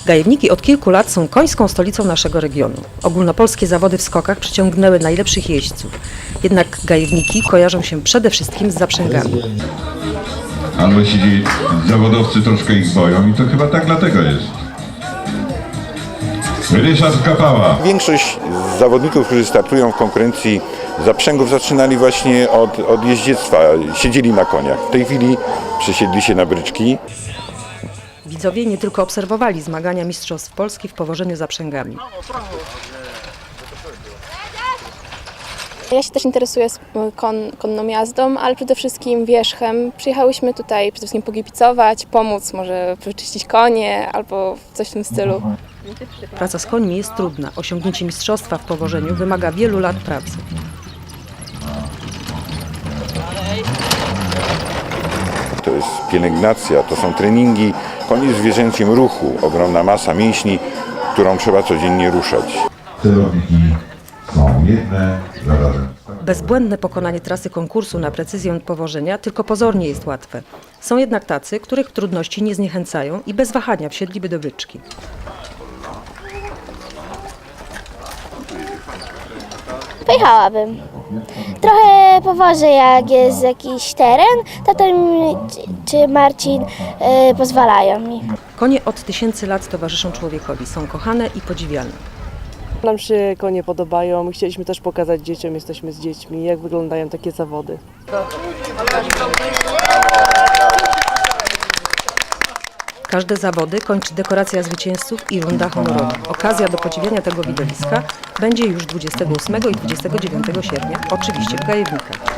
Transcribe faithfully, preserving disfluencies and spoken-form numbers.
Gajewniki od kilku lat są końską stolicą naszego regionu. Ogólnopolskie zawody w skokach przyciągnęły najlepszych jeźdźców. Jednak gajewniki kojarzą się przede wszystkim z zaprzęgami. Albo ci zawodowcy troszkę ich boją i to chyba tak dlatego jest. Ryszard Kapała. Większość zawodników, którzy startują w konkurencji zaprzęgów, zaczynali właśnie od, od jeździectwa. Siedzieli na koniach. W tej chwili przesiedli się na bryczki. Widzowie nie tylko obserwowali zmagania mistrzostw Polski w powożeniu zaprzęgami. Ja się też interesuję kon, konną jazdą, ale przede wszystkim wierzchem. Przyjechałyśmy tutaj przede wszystkim pokibicować, pomóc, może wyczyścić konie albo coś w tym stylu. Praca z końmi jest trudna. Osiągnięcie mistrzostwa w powożeniu wymaga wielu lat pracy. To jest pielęgnacja, to są treningi. Koń jest w zwierzęcym ruchu, ogromna masa mięśni, którą trzeba codziennie ruszać. Celowniki są jedne, zarazem. Bezbłędne pokonanie trasy konkursu na precyzję powożenia tylko pozornie jest łatwe. Są jednak tacy, których trudności nie zniechęcają i bez wahania wsiedliby do bryczki. Pojechałabym. Trochę powożę, jak jest jakiś teren, tata mi czy Marcin y, pozwalają mi. Konie od tysięcy lat towarzyszą człowiekowi. Są kochane i podziwiane. Nam się konie podobają. Chcieliśmy też pokazać dzieciom, jesteśmy z dziećmi, jak wyglądają takie zawody. Każde zawody kończy dekoracja zwycięzców i runda honorowa. Okazja do podziwiania tego widowiska będzie już dwudziestego ósmego i dwudziestego dziewiątego sierpnia, oczywiście w Gajewnikach.